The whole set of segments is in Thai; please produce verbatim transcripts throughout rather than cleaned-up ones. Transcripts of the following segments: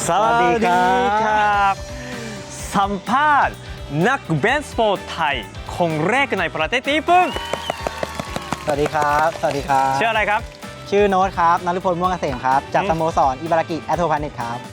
สวัสดีครับสัมภาษณ์นักเบสบอลไทยคนแรกในประเทศญี่ปุ่นสวัสดีครับสวัสดีครับชื่ออะไรครับชื่อโน้ตครับนฤพลม่วงเกษมครับจากสโมสรอิบารากิแอตโทพาเน็ตครับ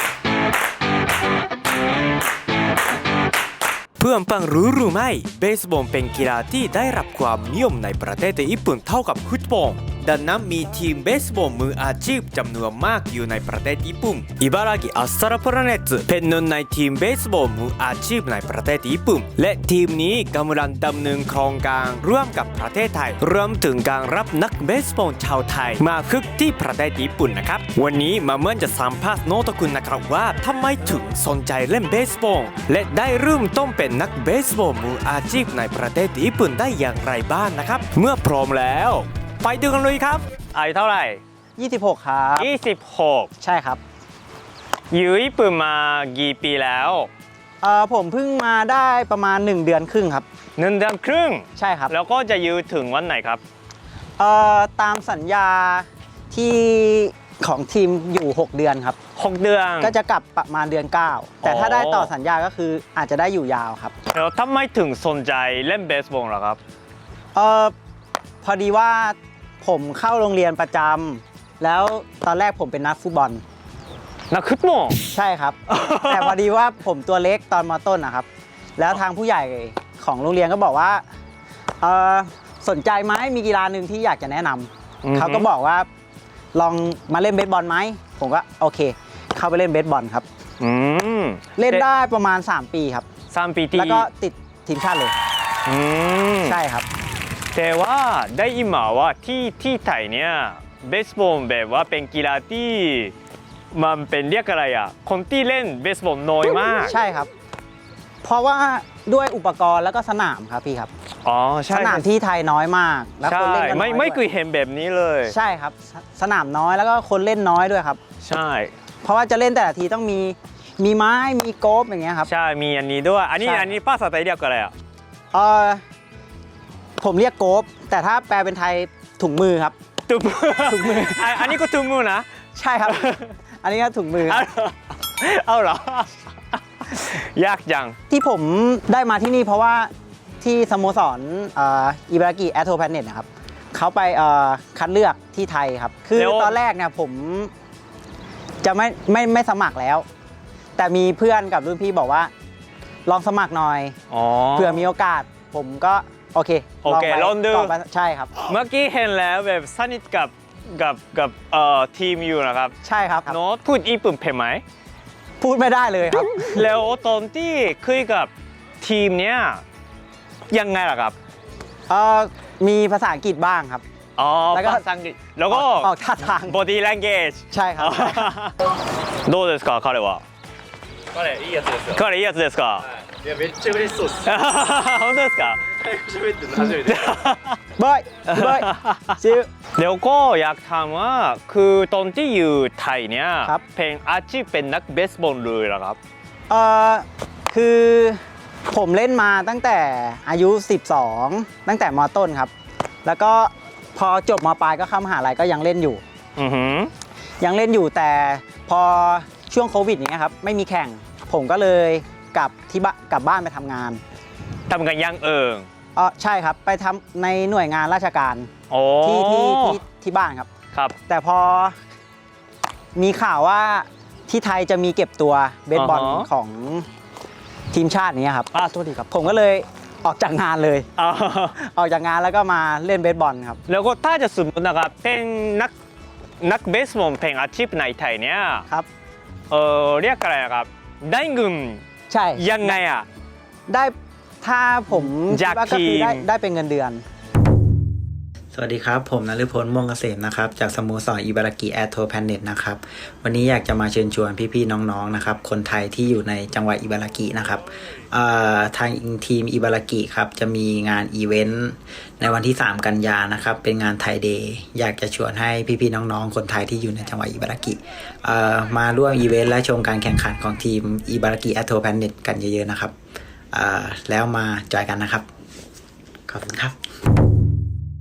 เพื่อนฟังรู้หรือไม่เบสบอลเป็นกีฬาที่ได้รับความนิยมในประเทศญี่ปุ่นเท่ากับฟุตบอลดังนั้นมีทีมเบสบอลมืออาชีพจำนวนมากอยู่ในประเทศญี่ปุ่นอิบารากิอัสตราพลาเนตเป็นหนึ่งในทีมเบสบอลมืออาชีพในประเทศญี่ปุ่นและทีมนี้กำลังดำเนินโครงการร่วมกับประเทศไทยรวมถึงการรับนักเบสบอลชาวไทยมาฝึกที่ประเทศญี่ปุ่นนะครับวันนี้มาเมื่อจะสัมภาษณ์โนตคุณนะครับว่าทำไมถึงสนใจเล่นเบสบอลและได้เริ่มต้นเป็นนักเบสบอลมืออาชีพในประเทศญี่ปุ่นได้อย่างไรบ้างนะครับเมื่อพร้อมแล้วไปดูกันเลยครับอายุเท่าไหร่ยี่สิบหกครับยี่สิบหกใช่ครับอยู่ญี่ปุ่นมากี่ปีแล้วเอ่อผมเพิ่งมาได้ประมาณหนึ่งเดือนครึ่งครับหนึ่งเดือนครึ่งใช่ครับแล้วก็จะอยู่ถึงวันไหนครับเอ่อตามสัญญาที่ของทีมอยู่หกเดือนครับหกเดือนก็จะกลับประมาณเดือนเก้าแต่ถ้าได้ต่อสัญญาก็คืออาจจะได้อยู่ยาวครับแล้วทำไมถึงสนใจเล่นเบสบอลล่ะครับเอ่อพอดีว่าผมเข้าโรงเรียนประจำแล้วตอนแรกผมเป็นนักฟุตบอลนักฟุตบอลใช่ครับ แต่พอดีว่าผมตัวเล็กตอนม.ต้นนะครับแล้วทางผู้ใหญ่ของโรงเรียนก็บอกว่าเออสนใจไหมมีกีฬาหนึ่งที่อยากจะแนะนำเขาก็บอกว่าลองมาเล่นเบสบอลไหมผมก็โอเคเข้าไปเล่นเบสบอลครับเล่นได้ประมาณสามปีครับสามปีที่แล้วก็ติดทีมชาติเลยใช่ครับแต่ว่าได้ยินมาว่าที่ที่ไทยเนี่ยเบสบอลแบบว่าเป็นกีฬาที่มันเป็นเรียกอะไรอ่ะคนที่เล่นเบสบอลน้อยมากใช่ครับเพราะว่าด้วยอุปกรณ์แล้วก็สนามครับพี่ครับอ๋อใช่สนามที่ไทยน้อยมากแล้วคนเล่นกันน้อยไม่ไม่เคยเห็นแบบนี้เลยใช่ครับสนามน้อยแล้วก็คนเล่นน้อยด้วยครับใช่เพราะว่าจะเล่นแต่ละทีต้องมีมีไม้มีโกฟอย่างเงี้ยครับใช่มีอันนี้ด้วยอันนี้อันนี้ภาษาไทยเรียกอะไรอ่ะเออผมเรียกโกฟแต่ถ้าแปลเป็นไทยถุงมือครับถุงมือถุงมืออันนี้ก็ถุงมือนะใช่ครับอันนี้ก็ถุงมือเอาเหรอ ยากจังที่ผมได้มาที่นี่เพราะว่าที่สโมสรอิบารากิแอตโทพาเน็ตนะครับเขาไปคัดเลือกที่ไทยครับคือตอนแรกเนี่ยผมจะไม่ไม่ไม่สมัครแล้วแต่มีเพื่อนกับรุ่นพี่บอกว่าลองสมัครหน่อยเผื่อมีโอกาสผมก็โอเคโอเคลองดูใช่ครับเมื่อกี้เห็นแล้วแบบสนิทกับกับกับเอ่อทีมอยู่นะครับใช่ครับโน้ตพูดญี่ปุ่นเป็นไหมพูดไม่ได้เลยครับแล้วตอนที่คุยกับทีมเนี้ยยังไงล่ะครับเอ่อมีภาษาอังกฤษบ้างครับอ๋อแล้วก็ภาษาอังกฤษแล้วก็ออกท่าทาง body language ใช่ครับどうですか彼は彼いいやつですよ彼いいやつですかいやめっちゃ嬉しそうです本当ですか早く喋ってるの初めてบอยบอยซิลแล้วก็อยากถามว่าคือตอนที่อยู่ไทยเนี่ยเป็นอาชีพเป็นนักเบสบอลเลยเหรอครับเอ่อคือผมเล่นมาตั้งแต่อายุสิบสองตั้งแต่ม.ต้นครับแล้วก็พอจบม.ปลายก็เข้ามหาลัยก็ยังเล่นอยู่อือหือยังเล่นอยู่แต่พอช่วงโควิดอย่างเงี้ยครับไม่มีแข่งผมก็เลยกลับที่บ้านกลับบ้านไปทำงานทำกันยังเอิงอ๋อใช่ครับไปทำในหน่วยงานราชการที่ที่ที่ที่บ้านครับครับแต่พอมีข่าวว่าที่ไทยจะมีเก็บตัวเบสบอลของทีมชาตินี้ครับอ่าโทษทีครับผมก็เลยออกจากงานเลยออกจากงานแล้วก็มาเล่นเบสบอลครับแล้วก็ถ้าจะสมมตินะครับเป็นนักนักเบสบอลเป็นอาชีพในไทยเนี่ยครับเออเรียกอะไรครับได้เงินใช่ยังไงอ่ะได้ถ้าผมจากทีมได้ได้เป็นเงินเดือนสวัสดีครับผมนฤพลม่วงเกษมนะครับจากสโมสรอิบารากิแอตโทพาเน็ตนะครับวันนี้อยากจะมาเชิญชวนพี่ๆน้องๆนะครับคนไทยที่อยู่ในจังหวัดอิบารากินะครับทางทีมอิบารากิครับจะมีงานอีเวนต์ในวันที่สามกันยานะครับเป็นงานไทยเดย์อยากจะชวนให้พี่ๆน้องๆคนไทยที่อยู่ในจังหวัดอิบารากิมาร่วมอีเวนต์และชมการแข่งขันของทีมอิบารากิแอตโทพาเน็ตกันเยอะๆนะครับแล้วมาจอยกันนะครับขอบคุณครับ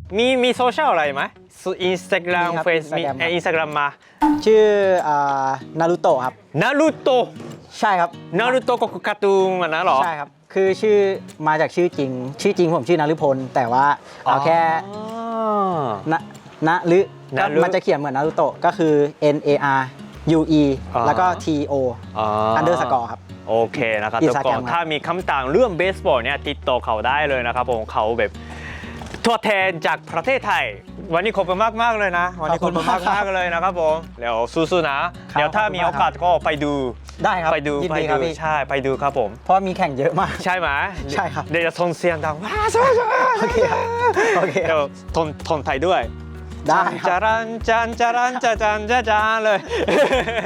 มีมีโซเชียลอะไรไหมอินสตาแกรมมีครับเฟซมี Instagram ครับอินสตาแกรมมาชื่อนารูโตะครับนารูโตะใช่ครับนารูโตะก็คือการ์ตูนมันนะเหรอใช่ครับ คือชื่อมาจากชื่อจริง ชื่อจริงผมชื่อนารุพล แต่ว่าเอาแค่อ๋อนะนะหรือนะก็รึมันจะเขียนเหมือนนารูโตะก็คือ N A R U E อ๋อแล้วก็ T O อ๋ออันเดอร์สกอร์ครับโอเคนะครับอิทุนกสตาคแกรนมครับถ้ามีคำต่างเรื่องเบสบอลเนี่ยติดต่อเขาได้เลยนะครับผมเขาแบบตัวแทนจากประเทศไทย วันนี้ขอบคุณมากมากๆเลยนะ วันนี้ขอบคุณมากมากๆเลยนะครับผมเดี๋ยวสู้ๆนะ เดี๋ยวถ้ามีโอกาสก็ไปดูได้ครับไปดูยินไปดีคดูรับพี่ใช่ไปดูครับผมเพราะมีแข่งเยอะมากใช่ไหมใช่ครับเดี๋ยวจะทนเสียงดังว้าสู้โอเคครับโอเคคเดี๋รัยบวทนทนไทยด้วยได้คจารับรันจันจารันจาจันจาจานเลย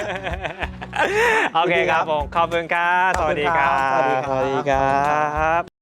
โอเคครับผมขอบคุณครับสวัสดีครับสวัสดีครับสวัสดีครับ